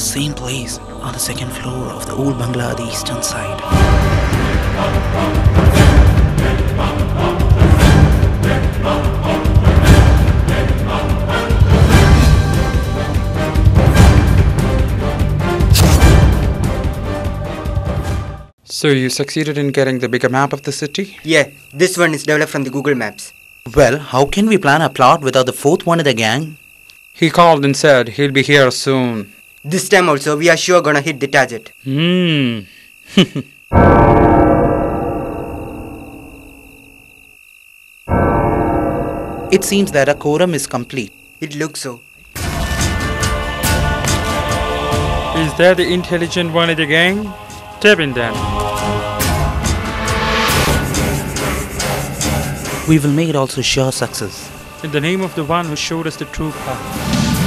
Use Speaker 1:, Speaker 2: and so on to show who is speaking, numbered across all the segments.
Speaker 1: same place on the second floor of the old bungalow at the eastern side.
Speaker 2: So you succeeded in getting the bigger map of the city?
Speaker 3: Yeah, this one is developed from the Google Maps.
Speaker 1: Well, how can we plan a plot without the fourth one in the gang?
Speaker 2: He called and said he'll be here soon.
Speaker 3: This time also, we are sure gonna hit the target.
Speaker 1: It seems that a quorum is complete.
Speaker 3: It looks so.
Speaker 2: Is that the intelligent one in the gang? Tap in then.
Speaker 1: We will make it also sure success.
Speaker 2: In the name of the one who showed us the true path.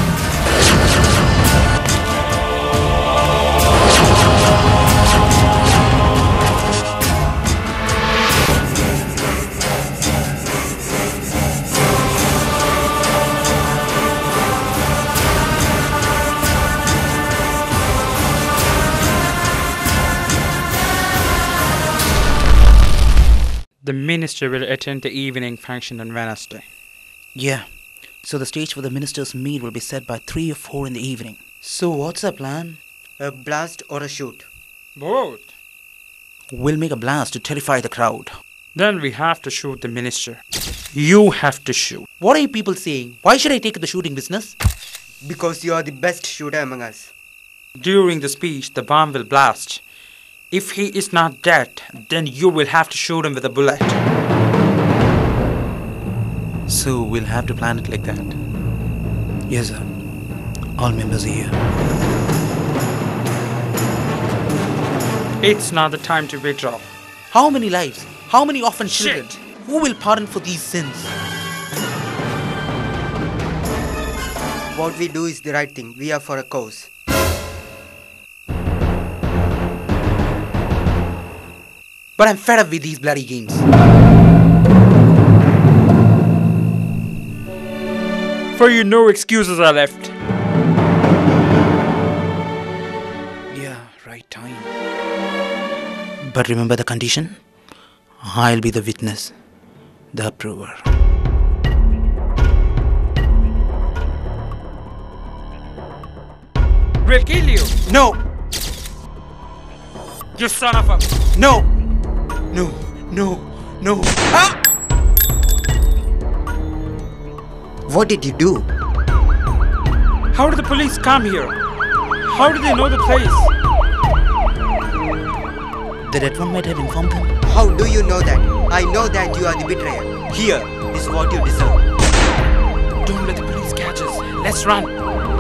Speaker 2: The minister will attend the evening function on Wednesday.
Speaker 1: Yeah, so the stage for the minister's meet will be set by 3 or 4 in the evening. So what's the plan?
Speaker 3: A blast or a shoot?
Speaker 2: Both.
Speaker 1: We'll make a blast to terrify the crowd.
Speaker 2: Then we have to shoot the minister. You have to shoot.
Speaker 1: What are you people saying? Why should I take the shooting business?
Speaker 3: Because you are the best shooter among us.
Speaker 2: During the speech, the bomb will blast. If he is not dead, then you will have to shoot him with a bullet.
Speaker 1: So we'll have to plan it like that. Yes, sir. All members are here.
Speaker 2: It's not the time to withdraw.
Speaker 1: How many lives? How many orphan children?
Speaker 2: Shit.
Speaker 1: Who will pardon for these sins?
Speaker 3: What we do is the right thing. We are for a cause.
Speaker 1: But I'm fed up with these bloody games.
Speaker 2: For you, no excuses are left.
Speaker 1: Yeah, right time. But remember the condition? I'll be the witness, the approver.
Speaker 2: We'll kill you.
Speaker 1: No!
Speaker 2: You son of a...
Speaker 1: No! No! No! No! Ah!
Speaker 3: What did you do?
Speaker 2: How did the police come here? How did they know the place?
Speaker 1: The dead one might have informed them.
Speaker 3: How do you know that? I know that you are the betrayer. Here is what you deserve.
Speaker 2: Don't let the police catch us. Let's run.